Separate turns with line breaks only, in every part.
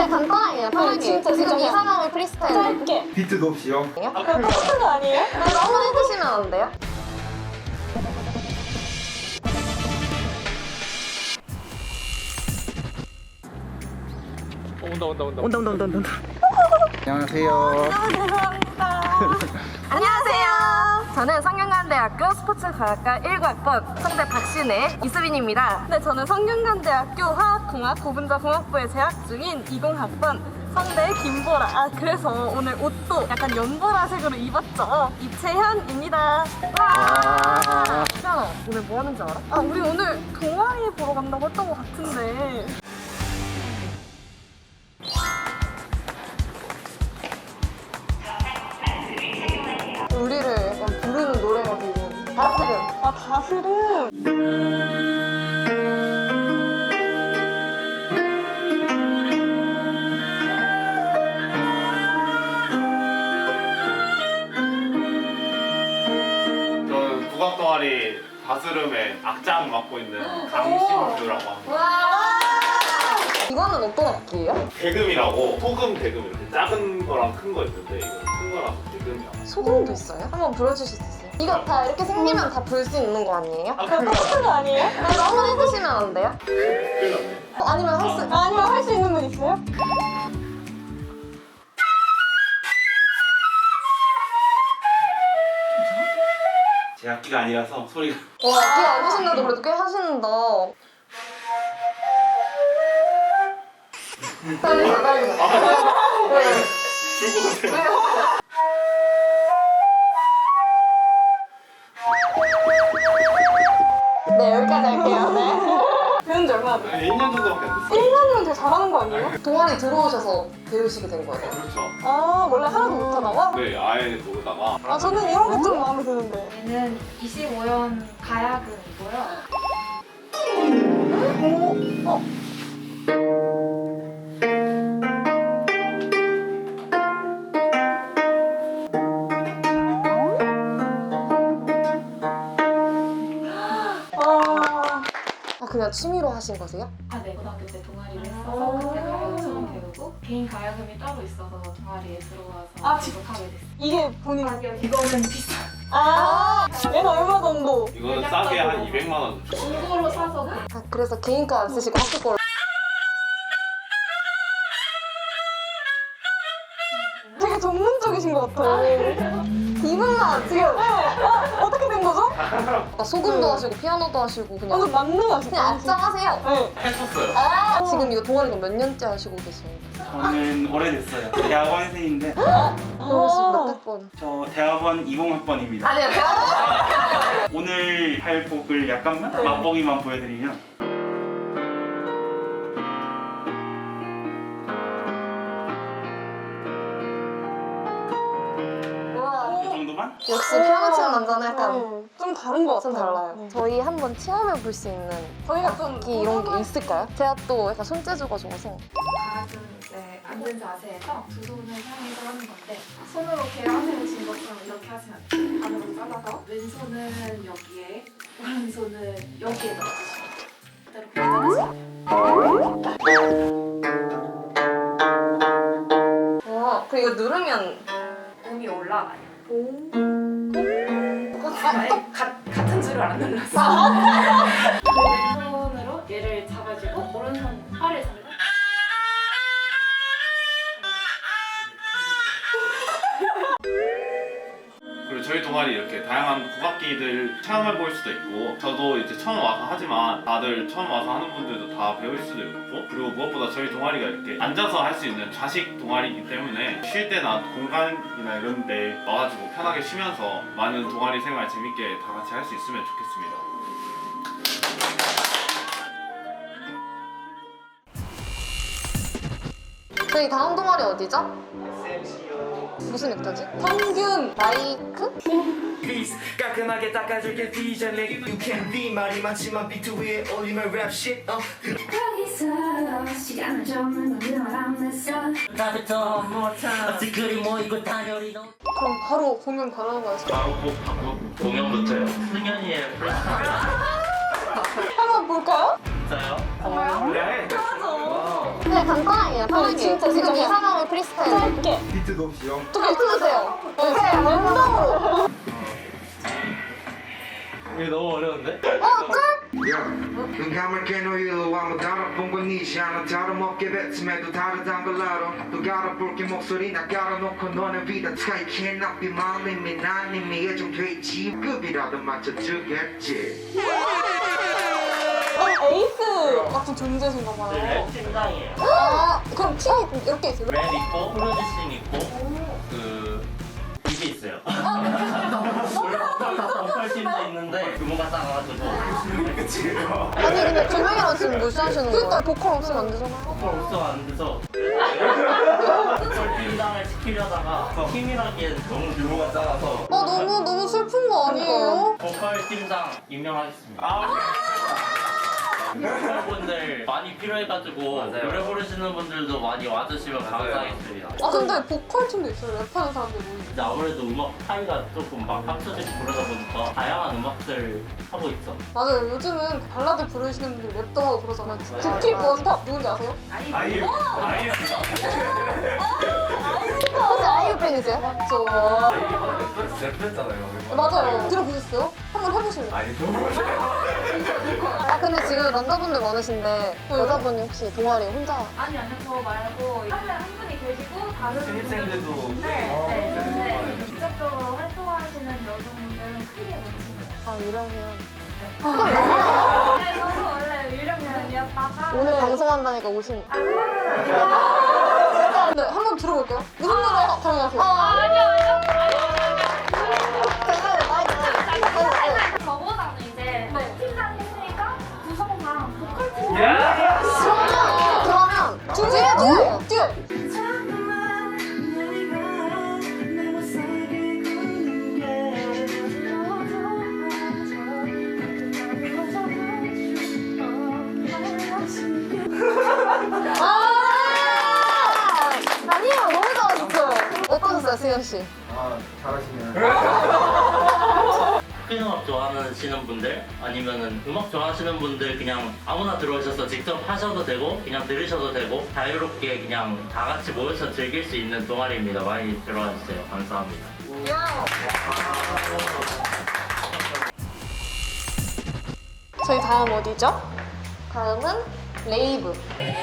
그냥 간단하게 편하게.
진짜
지금 이
그냥
상황을 프리스타일.
짧게.
비트도 없이요?
아까 똑같은 거 아니에요?
한번 해주시면 안 돼요?
온다.
안녕하세요.
안녕하세요. 저는 성균관대학교 스포츠과학과 1학번 성대 박신혜 이수빈입니다.
네, 저는 성균관대학교 화학공학 고분자공학부에 재학 중인 20학번 성대 김보라. 그래서 오늘 옷도 약간 연보라색으로 입었죠. 이채현입니다.
와. 희연아, 오늘 뭐 하는지 알아?
우리 오늘 동아리 보러 간다고 했던 것 같은데.
우리를 약간 부르는 노래가 되고 다스름.
다스름.
저는 국악 동아리 다스름의 악장 맡고 있는 강신주라고 합니다.
이거는 어떤 악기예요?
대금이라고 소금 대금 이렇게 작은 거랑 큰 거 있는데 이거 큰 거라서 대금이라고.
소금도 있어요? 한번 불러주실 수 있어요? 이거 다 이렇게 생기면 다 불 수 있는 거 아니에요?
똑같은 거 아니에요?
한번 해주시면 안 돼요?
큰일 났네.
아니면
아니면 할 수 있는 분 있어요?
제 악기가 아니라서 소리가.
와, 악기 안 하신데도 그래도 꽤 하시는다. 빨리.
줄것 같아요.
네, 여기까지 할게요. 네.
배운 지 얼마나 돼요?
1년 정도밖에 안 됐어요.
1년이면 더 잘하는 거 아니에요?
동아리 들어오셔서 배우시게 된 거예요?
그렇죠.
원래 하나도 못하다가?
네, 아예 모르다가.
저는 이런 게 좀 마음에 드는데.
얘는 25연 가야금이고요.
그냥 취미로 하신 거세요?
네, 고등학교 때 동아리를 했어서 그때 가야금 처음 배우고 개인 가야금이 따로 있어서 동아리에 들어와서 계속 하게 됐어요.
이게 본인.
이거는 비싸.
얘는 얼마 정도?
이거는 싸게 한 200만 원.
중고로 사서
그래서 개인 거 안 쓰시고 학교 걸로.
되게 전문적이신 것 같아요.
이분만 지금
어떻게 된 거죠?
소금도 하시고 피아노도 하시고 그냥
완전 만능하시다.
그냥 악장하세요.
네.
했었어요.
지금 이거 동아리 몇 년째 하시고 계세요?
저는 오래됐어요. 대학원생인데
그러시면 몇 번?
저 대학원 20학번입니다.
아니요, 제가
오늘 할 곡을 약간만 맛보기만 보여드리면 이 정도만?
역시 피아노 치는 남자는 약간
좀 다른 것
좀
같아요.
달라요. 저희 한번 체험해 볼 수 있는
저희가 좀
악기 이런 게 있을까요? 제가 또 약간 손재주가 좋아서.
가야금 이제 앉은 자세에서 두 손을 향해서 하는 건데 손으로 계란을 진 것처럼 이렇게 하시면 안 돼요. 반으로 잘라서 왼손은 여기에 오른손은 여기에 넣어주시면 돼요. 그대로 표현하시면 돼요.
그리고 누르면
음이 올라가요. 같은 줄을 안 눌렀어. 왼손으로 얘를 잡아주고 오른손 팔을 잡고
그리고 저희 동아리 이렇게 다양한 국악기들 체험해 볼 수도 있고 저도 이제 처음 와서 하지만 다들 처음 와서 하는 분들도 다 배울 수도 있고 그리고 무엇보다 저희 동아리가 이렇게 앉아서 할 수 있는 좌식 동아리이기 때문에 쉴 때나 공간이나 이런 데 와가지고 편하게 쉬면서 많은 동아리 생활 재밌게 다 같이 할 수 있으면 좋겠습니다.
저희 다음 동아리 어디죠? 무슨 액자지? 평균 마이크?
Peace 깔끔하게 닦아줄게 비전에 You can be 말이 많지만 비트 위에 올리면 랩 shit
거기서 시간을 적는 건 알았어.
나부터 more time 어떻게 모이고 다녀리 너
그럼 바로 공연 가능한 거예요?
바로 바로 공연부터요.
승현이의
한번 볼까요?
진짜요?
그래.
맞아.
네, 간단하게, 편하게. 진짜 지금 이 상황을 프리스타일.
짧게.
비트도 없이요.
좀 해주세요. 네, 랜덤으로.
이게 너무 어려운데?
눈감을 깬 후에도 아무 다른 건 니시 하나 다름없게 뱉음에도 다르단 걸 알아 또 갈아볼게 목소리 나 깔아놓고 너는 비다 I cannot be my limit 난 이미 예정돼 있지 급이라도 맞춰주겠지
에이스 같은 존재신가 봐요.
팀장이에요.
아, 그럼 팀이 이렇게 있어요?
랩 있고 프로듀싱 있고 이게 있어요. 보컬 팀도 있는데 규모가 작아가지고
아니, 근데 두 명이랑 지금 몇 시 하시는 거예요? 그러니까 보컬 없으면 안 되잖아요.
보컬 없어 안 돼서 보컬 팀장을 시키려다가 팀이라기엔 너무 규모가 작아서
너무 슬픈 거 아니에요?
보컬 팀장 임명하겠습니다. 보컬분들 많이 필요해가지고 노래 부르시는 분들도 많이 와주시면 감사하겠습니다.
아 근데 보컬 팀도 있어요. 랩하는 사람들이.
근데 아무래도 음악 파이가 조금 막 합쳐지고 그러다 보니까 다양한 음악들 하고 있어.
맞아요. 요즘은 발라드 부르시는 분들 랩도 하고 그러잖아요. 국힙 원탑 누군지 아세요?
아이유.
혹시 아이유 팬이세요?
맞죠.
랩했잖아요.
맞아요. 들어보셨어요? 한번 해보실래요?
아니, 너무
아, 근데 지금 남자분들 많으신데 여자분이 혹시 동아리 혼자?
아니 아니요 저 말고 한 분이 계시고 다른
신입생들도
네. 직접적으로 활동하시는 여성분들은 크게 못 칩니다.
아, 이러면.
네, 저도 원래 유령연이었다가
오늘 방송한다니까 오신.
네, 한번 들어볼게요. 무슨 노래 사용하세요?
아니요.
괜찮아요.
저보다는 이제 팀장 했으니까 구성상 보컬팀
그러면 듀엣! 아니에요, 너무 잘하셨어요. 어떠셨어요, 승현 씨?
아, 잘하시네요.
큰 음악 좋아하시는 분들 아니면은 음악 좋아하시는 분들 그냥 아무나 들어오셔서 직접 하셔도 되고 그냥 들으셔도 되고 자유롭게 그냥 다 같이 모여서 즐길 수 있는 동아리입니다. 많이 들어와 주세요. 감사합니다.
저희 다음 어디죠?
다음은 레이브.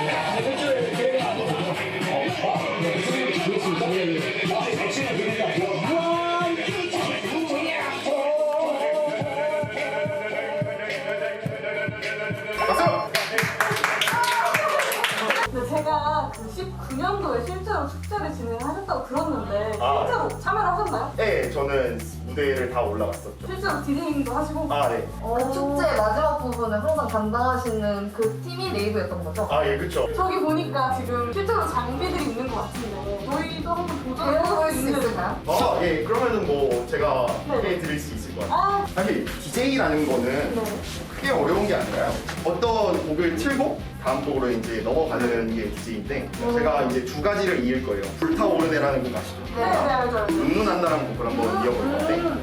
근데 제가 그 19년도에 실제로 축제를 진행하셨다고 들었는데 실제로 참여를 하셨나요?
네, 저는 무대를 다 올라갔었죠.
실제로 디제잉도 하시고?
아, 네.
그 축제 마지막 부분을 항상 담당하시는 그 팀이 레이브였던 거죠?
아, 예, 그쵸.
저기 보니까 지금 실제로 장비들이 있는 것 같은데 저희도 한번 도전해볼 수 있을까요?
아, 예, 그러면은 뭐 제가
네.
소개해 드릴 수 있을 것 같아요.
아,
사실 DJ라는 거는
네.
크게 어려운 게 아니라요. 어떤 곡을 틀고 다음 곡으로 이제 넘어가는 게 DJ인데 제가 이제 두 가지를 이을 거예요. 불타오르네라는 곡 아시죠?
네, 알죠.
눈누난다라는 곡을 한번 이어볼 건데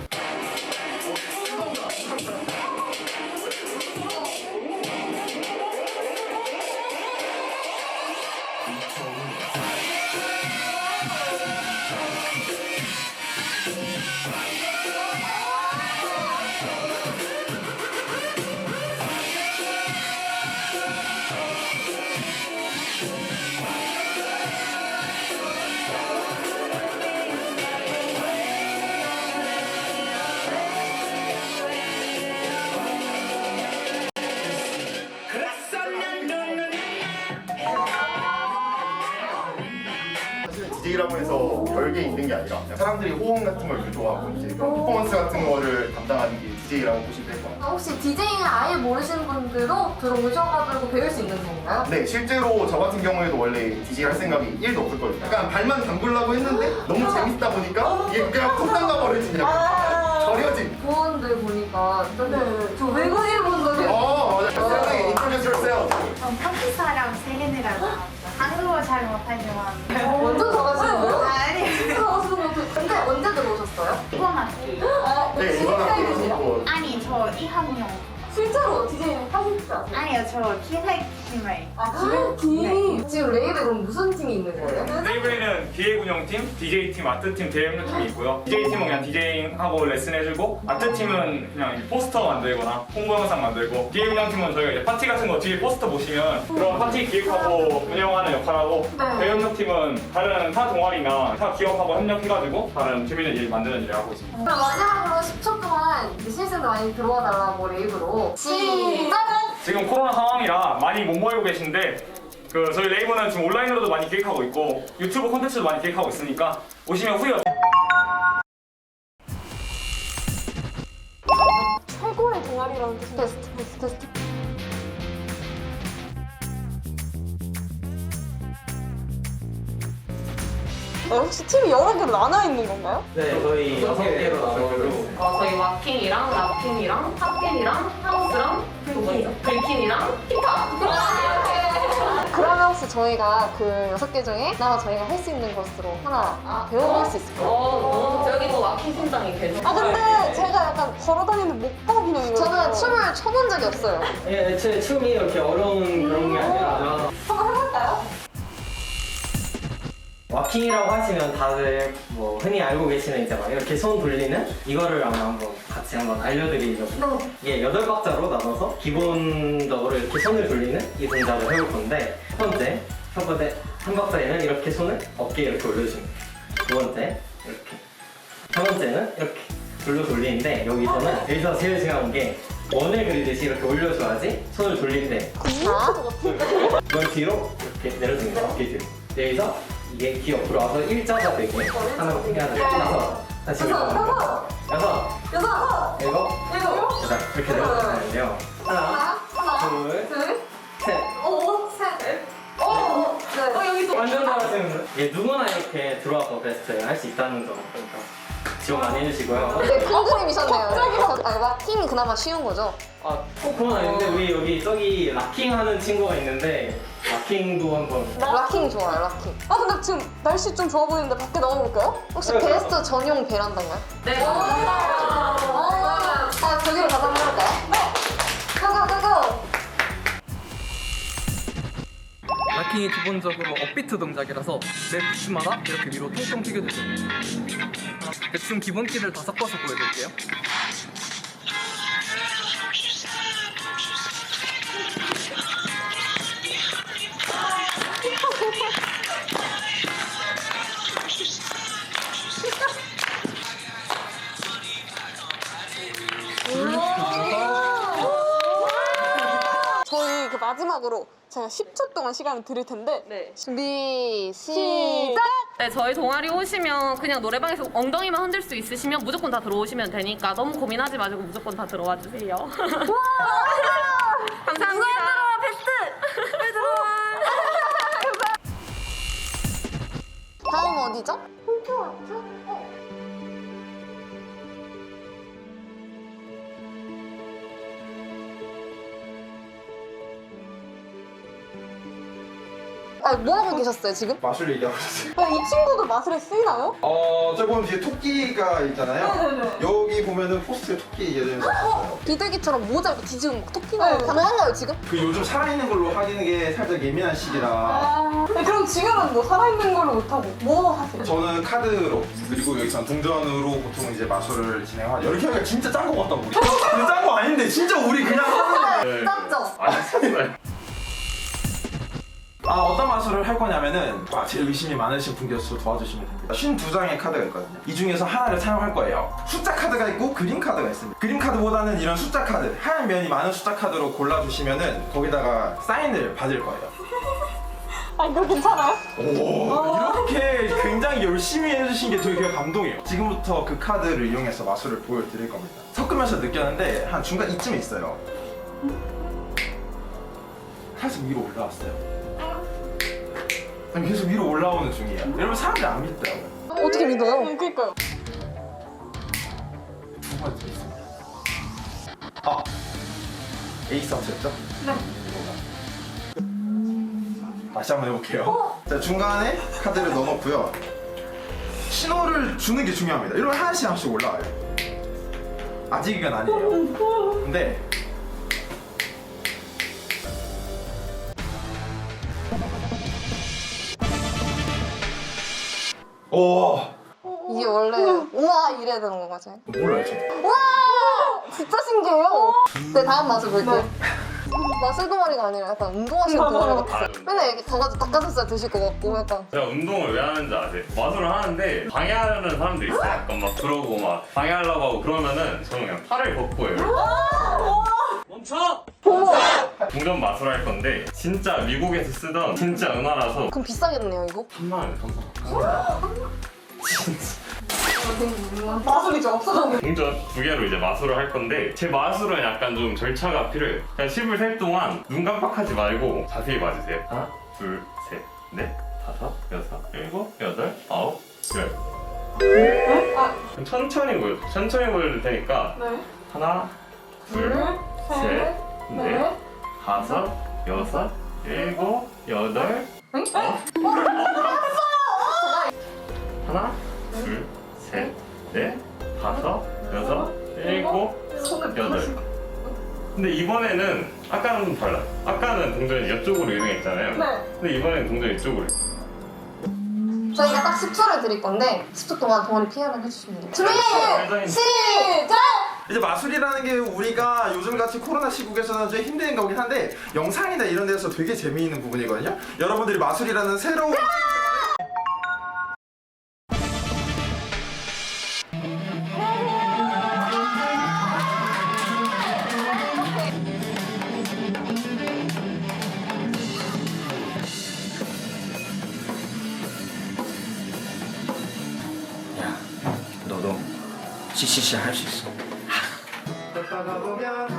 DJ라고 해서 별게 있는 게 아니라 사람들이 호응 같은 걸 유도하고 이제 그런 퍼포먼스 같은 거를 담당하는 게 DJ라고 보시면 될 것 같아요.
혹시 디제잉을 아예 모르시는 분들도 들어오셔가지고 배울 수 있는 건가요?
네, 실제로 저 같은 경우에도 원래 DJ 할 생각이 1도 없었거든요. 약간 발만 담그려고 했는데 너무 재밌다 보니까 이게 그냥 푹 담가버려진 약간 절여진.
부원들 보니까 좀
네, 저 외국인 분들이
맞아요. 세상에 introduce yourself.
전 파키스탄이랑 세계네라고 한국어 잘 못하지만
완전 잘하시는데요?
아니
진짜 잘하시는 것 같아요. 근데 언제 들어오셨어요?
이번 학기
네, 이번 학기
아니 저 2학년
실제로 디제잉 하실 줄 아세요?
아니요, 저 기획팀을.
기획팀.
지금 레이블에 그럼 무슨 팀이 있는 거예요?
레이블에는 기획 운영팀, DJ팀, 아트팀, 대행료팀이 있고요. DJ팀은 그냥 디제잉하고 레슨해주고, 아트팀은 그냥 이제 포스터 만들거나 홍보 영상 만들고, 기획 운영팀은 저희가 이제 파티 같은 거 뒤에 포스터 보시면 그런 파티 기획하고 운영하는 역할하고, 대행료팀은 다른 타 동아리나 타 기업하고 협력해가지고 다른 재밌는 일 만드는 일을 하고 있습니다.
그럼 마지막으로 10초 동안 신입생들 많이 들어와 달라고 레이블로 시작!
지금 코로나 상황이라 많이 못 모이고 계신데 저희 레이블은 지금 온라인으로도 많이 기획하고 있고 유튜브 콘텐츠도 많이 기획하고 있으니까 오시면 후회
최고의 동아리라는 뜻이
테스트.
혹시 팀이 여러 개로 나눠 있는 건가요?
네, 저희 6개로 나눠서
저희 왁킹이랑 랍킹이랑 탑킹이랑 하우스랑 그리고 뭐죠? 글킹이랑 힙합! 그러면 혹시 저희가 그 6개 중에 하나 저희가 할 수 있는 것으로 하나 배워볼 수 있을까요?
여기 또 왁킹 팀장이 계셔.
근데 제가 약간 걸어다니는 목법이네요. 이거.
저는 춤을 춰본 적이 없어요.
예, 애초에 춤이 이렇게 어려운 그런 게 아니라
한번 해볼까요?
왁킹이라고 하시면 다들 뭐 흔히 알고 계시는 이제 막 이렇게 손 돌리는 이거를 아마 한번 같이 한번 알려드리려고 이게 8박자로 나눠서 기본적으로 이렇게 손을 돌리는 이 동작을 해볼 건데 첫 번째 한 박자에는 이렇게 손을 어깨에 이렇게 올려줍니다. 두 번째 이렇게 세 번째는 이렇게 돌리는데 여기서 제일 중요한 게 원을 그리듯이 이렇게 올려줘야지 손을 돌릴 때 이건 뒤로 이렇게 내려줍니다. 어깨 뒤로 여기서 이게 귀 옆으로 와서 일자가 되게 하나 해야 돼요. 다시 여섯, 일곱, 여덟 이렇게 내려주시는데요. 하나, 둘, 셋. 완전 잘하시는데? 이게 누구나 이렇게 들어와서 베스트 할 수 있다는 점 그러니까 지원 많이 해주시고요.
네, 큰 그림이셨네요. 왁킹이 그나마 쉬운 거죠?
꼭 그건 아닌데 우리 여기 저기 락킹 하는 친구가 있는데 락킹도 한번
락킹 좋아요, 락킹.
근데 지금 날씨 좀 좋아 보이는데 밖에 나가볼까요?
혹시 게스트 전용 베란다인가요?
네.
저기로 가서 한번 해볼까요? 네! 고고!
락킹이 기본적으로 업비트 동작이라서 내 부츠마다 이렇게 위로 통통 튀겨주세요. 대충 기본기를 다 섞어서 보여드릴게요.
저희 그 마지막으로 제가 10초 동안 시간을 드릴 텐데
준비, 시작!
네, 저희 동아리 오시면 그냥 노래방에서 엉덩이만 흔들 수 있으시면 무조건 다 들어오시면 되니까 너무 고민하지 마시고 무조건 다 들어와 주세요. 감사합니다. 베스트! 빨리 들어와.
다음 어디죠? 뭐 하고 계셨어요, 지금?
마술 얘기하고 있어요.
이 친구도 마술에 쓰이나요?
저 보면 뒤에 토끼가 있잖아요. 여기 보면은 포스트에 토끼 예전에 썼어요.
비둘기처럼 모자 이렇게 뒤지고 막 토끼나요? 가능한가요, 지금?
그 요즘 살아있는 걸로 하는 게 살짝 예민한 시기라
그럼 지금은 뭐 살아있는 걸로 못하고 뭐 하세요?
저는 카드로 그리고 여기서 동전으로 보통 이제 마술을 진행하죠. 이렇게 하니까 진짜 짠 거 같다 우리. 근데 짠 거 아닌데 진짜 우리 그냥 하는 거예요.
짠죠?
어떤 마술을 할 거냐면은 제일 의심이 많으신 분께서 도와주시면 됩니다. 52장의 카드가 있거든요. 이 중에서 하나를 사용할 거예요. 숫자 카드가 있고 그림 카드가 있습니다. 그림 카드보다는 이런 숫자 카드, 하얀 면이 많은 숫자 카드로 골라주시면은 거기다가 사인을 받을 거예요.
이거 괜찮아요?
오, 이렇게 굉장히 열심히 해주신 게 되게 감동이에요. 지금부터 그 카드를 이용해서 마술을 보여드릴 겁니다. 섞으면서 느꼈는데 한 중간 이쯤에 있어요. 살짝 위로 올라왔어요. 계속 위로 올라오는 중이에요. 여러분 사람들이 안 믿더라고요.
어떻게 믿어요?
그니까요.
두 번째 있습니다. 에이스 하셨죠? 네. 다시 한번 해볼게요. 자, 중간에 카드를 넣어놓고요. 신호를 주는 게 중요합니다. 이러면 하나씩 올라와요. 아직 이건 아니에요. 근데 오.
이게 원래 우와 이래야 되는 거 맞아요?
몰라요, 저.
와 진짜 신기해요. 네 다음 맛을 볼게요. 마술 동아리가 아니라 약간 운동하시는 동아리 같아요. 맨날 이렇게 가가지고 닭가슴살 드실 것 같고 약간.
제가 운동을 왜 하는지 아세요? 마술을 하는데 방해하는 사람도 있어요. 약간 막 그러고 막 방해하려고 하고 그러면은 저는 그냥 팔을 벗고 해요. 멈춰! 동전 마술 할 건데 진짜 미국에서 쓰던 진짜 은화라서
그럼 비싸겠네요 이거?
3만 원에 3만
마술이죠 없어졌네.
동전 2개로 이제 마술을 할 건데 제 마술은 약간 좀 절차가 필요해요. 그냥 10을 셀 동안 눈 깜빡하지 말고 자세히 봐주세요. 하나, 둘, 셋, 넷, 다섯, 여섯, 일곱, 여덟, 아홉, 열. 천천히 보여줄 테니까 하나, 둘, 셋, 넷, 다섯, 여섯, 일곱, 여덟, 하나, 둘, 셋, 넷, 다섯, 여섯, 일곱, 여덟. 근데 이번에는 아까는 좀 달라요. 아까는 동전이 이쪽으로 이동했잖아요. 근데 이번에는 동전이 이쪽으로.
저희가 딱 10초를 드릴 건데 10초 동안 동아리 PR을 해주시면 돼요. 준비! 시작!
이제 마술이라는 게 우리가 요즘같이 코로나 시국에서는 좀 힘든 거긴 한데 영상이나 이런 데서 되게 재미있는 부분이거든요. 여러분들이 마술이라는 새로운
너도 CCC 할 수 있어.
걷다가 보면